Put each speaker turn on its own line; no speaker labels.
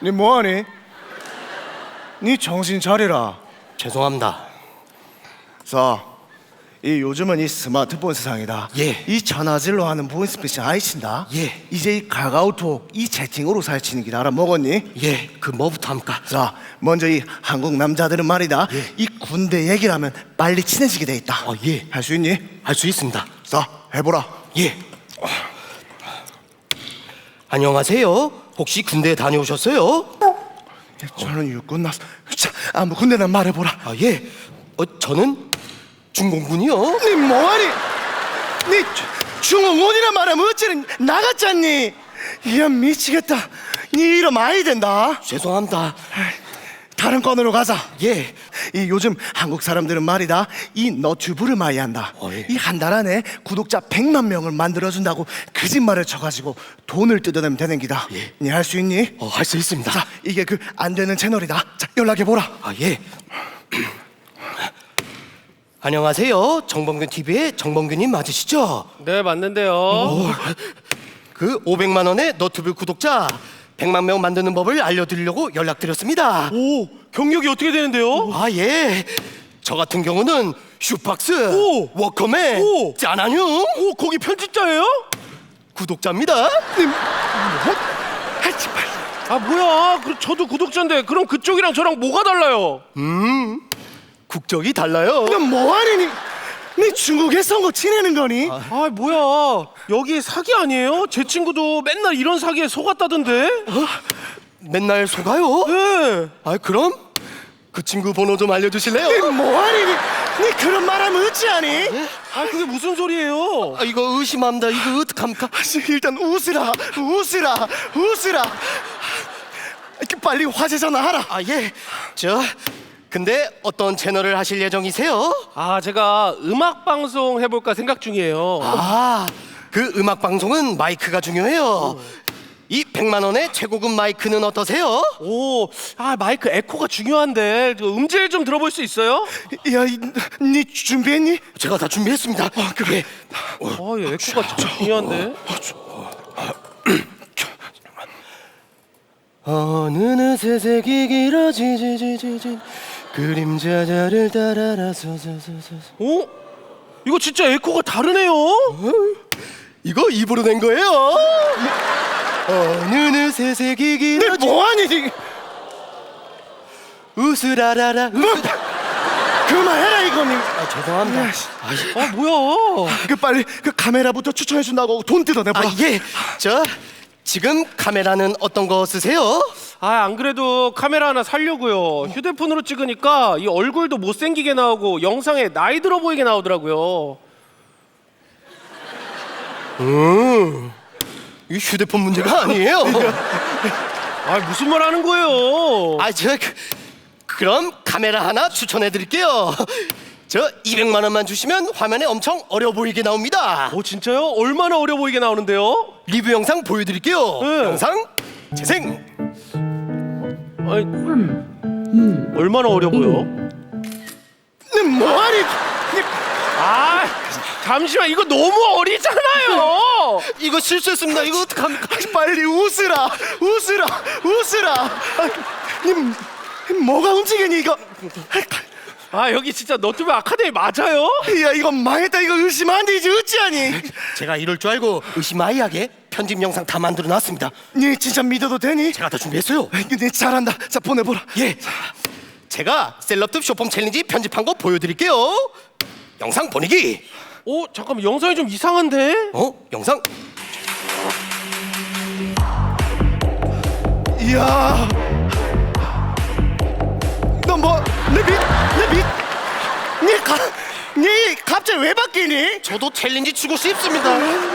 니 뭐하니? 니 정신 차리라.
죄송합니다.
자, 이 요즘은 이 스마트폰 세상이다.
예.
이 전화질로 하는 보이스피싱 아이친다.
예.
이제 이 카카오톡 이 채팅으로 살치는 길 알아먹었니?
예, 그 뭐부터 합니까?
자, 먼저 이 한국 남자들은 말이다.
예.
이 군대 얘기를 하면 빨리 친해지게 돼 있다.
예.
할 수 있니?
할 수 있습니다.
자, 해보라.
예. 안녕하세요. 혹시 군대 다녀오셨어요?
저는 육군 나서. 자, 뭐 군대는 말해보라.
예. 저는 중공군이요.
니 뭐하니? 니 중공군이란 말하면 어찌는 나갔잖니? 이야 미치겠다. 니 이러면 아이 된다.
죄송합니다.
다른 건으로 가자.
예.
이 요즘 한국 사람들은 말이다 이 너튜브를 많이 한다.
예.
이 한 달 안에 구독자 100만 명을 만들어준다고 거짓말을 쳐가지고 돈을 뜯어내면 되는 기다.
예.
니 할 수 있니?
할 수 있습니다.
자, 이게 그 안 되는 채널이다. 자, 연락해보라.
예. 안녕하세요. 정범균 TV의 정범균님 맞으시죠?
네, 맞는데요.
그 500만 원의 너튜브 구독자 100만 명 만드는 법을 알려드리려고 연락드렸습니다.
오, 경력이 어떻게 되는데요?
예. 저 같은 경우는 슈박스,
오!
워커맨,
오!
짜나뇽
오, 거기 편집자예요?
구독자입니다.
아, 뭐야? 저도 구독자인데 그럼 그쪽이랑 저랑 뭐가 달라요?
국적이 달라요.
너 뭐하니? 니 중국에 선거 지내는 거니?
아, 뭐야? 여기 사기 아니에요? 제 친구도 맨날 이런 사기에 속았다던데?
맨날 속아요?
네.
그럼 그 친구 번호 좀 알려주실래요?
니 뭐하니? 니 그런 말하면 어찌하니?
아, 그게 무슨 소리예요?
이거 의심합니다. 이거 어떡합니까?
일단 웃으라. 이렇게 빨리 화제 전화하라.
예. 근데 어떤 채널을 하실 예정이세요?
아, 제가 음악 방송 해볼까 생각 중이에요.
그 음악 방송은 마이크가 중요해요. 이 100만 원의 최고급 마이크는 어떠세요?
오, 마이크 에코가 중요한데 저 음질 좀 들어볼 수 있어요?
야, 니 준비했니?
제가 다 준비했습니다. 그래.
얘 에코가 참 중요한데.
어느느 새색이 길어지지지지지 그림자자를 따라라서
오? 이거 진짜 에코가 다르네요.
이거 입으로 낸 거예요. 어느느 새색이
니
길어지
뭐하니?
우스라라라
그만해라 이거니.
죄송합니다.
뭐야?
그 빨리 그 카메라부터 추천해 준다고 돈 뜯어내보라.
예. 지금 카메라는 어떤 거 쓰세요?
안 그래도 카메라 하나 살려고요. 휴대폰으로 찍으니까 이 얼굴도 못생기게 나오고 영상에 나이 들어 보이게 나오더라고요.
이 휴대폰 문제가 아니에요.
무슨 말 하는 거예요?
그럼 카메라 하나 추천해 드릴게요. 200만 원만 주시면 화면에 엄청 어려 보이게 나옵니다.
진짜요? 얼마나 어려 보이게 나오는데요?
리뷰 영상 보여드릴게요.
네.
영상 재생.
얼마나 어려 보여?
니 뭐하니?
잠시만, 이거 너무 어리잖아요.
이거 실수했습니다. 이거 어떡합니까?
빨리 웃으라. 니 뭐가 움직이니 이거?
여기 진짜 너튜브 아카데미 맞아요?
야, 이거 망했다. 이거 의심 안 되지 어찌하니?
제가 이럴 줄 알고 의심아이하게 편집 영상 다 만들어 놨습니다.
니 진짜 믿어도 되니?
제가 다 준비했어요.
니 잘한다. 자, 보내보라.
예. 제가 셀럽급 쇼폼 챌린지 편집한 거 보여드릴게요. 영상 보내기.
잠깐만, 영상이 좀 이상한데?
영상.
이야, 너 뭐 니 갑자기 왜 바뀌니?
저도 챌린지 추고 싶습니다.